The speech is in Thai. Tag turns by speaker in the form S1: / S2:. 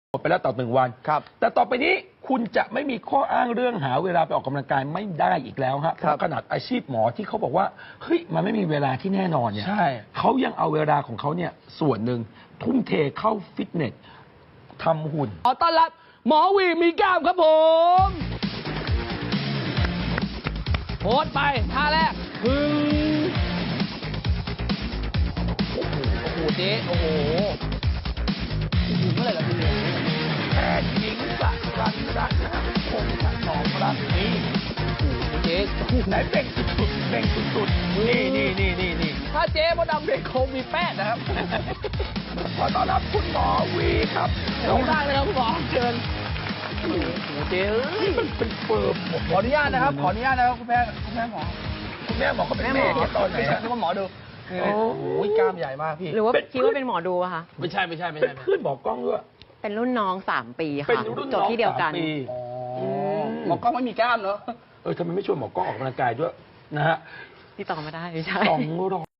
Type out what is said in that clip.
S1: หมดไปแล้วต่อ1 วัน
S2: ครับ
S1: แต่ต่อไปนี้คุณจะไม่มีข้ออ้างเรื่องหาเวลาไปออกกำลังกายไม่ได้อีกแล้วฮะเพราะขนาดอาชีพหมอที่เขาบอกว่าเฮ้ยมันไม่มีเวลาที่แน่นอนเนี่ย
S2: ใช่
S1: เขายังเอาเวลาของเขาเนี่ยส่วนหนึ่งทุ่มเทเข้าฟิตเนสทำหุ่น
S2: ขอต้อนรับหมอวีมีกล้ามครับผมโพสต์ไปท่าแรกพึ่งโอ้โหเจ๊โอ้โหเมื่อไหร่ล่ะพี่
S1: แพทย์หญิงสรัญรัตน์นะฮะคงถนอมรักนี่
S2: เจ๊
S1: ไหนเบ่งสุดๆเบ่งสุดๆนี่
S2: ถ้าเจ๊มดดำเด็กคงมีแป้งนะครับ
S1: ขอต้อนรับคุณหมอวีครับ
S2: ลงได้เลยครับคุณหมอเชิญโอ้โหเจ๊
S1: นี่มันเป็นเฟิร์ม
S2: ขออนุญาตนะครับขออนุญาตนะครับคุณแม่หมอ
S1: คุณแม่บอกเขาเป็นแม่ตอนไหน
S2: ไม่ใช่คุณหมอดูโอ้โหกล้ามใหญ่มากพี่
S3: หรือว่าคิดว่าเป็นหมอดูอะคะ
S2: ไม่ใช่
S1: เป็นเพื่อนหมอกล้องด้วย
S3: เป็นรุ่นน้อง3 ปี
S1: เป็น
S3: ค่ะ
S1: รุ่น
S3: จ
S1: น้
S3: บ
S1: อง
S3: ที่เดียวกัน
S1: 3 ปี
S2: หมอกล้องไม่มีกล้ามเนาะ
S1: ทำไมไม่ชวนหมอกล้องออกกำลังกายด้วยนะฮะ
S3: ที่ต่อมาได้ไม่ใช่
S1: 200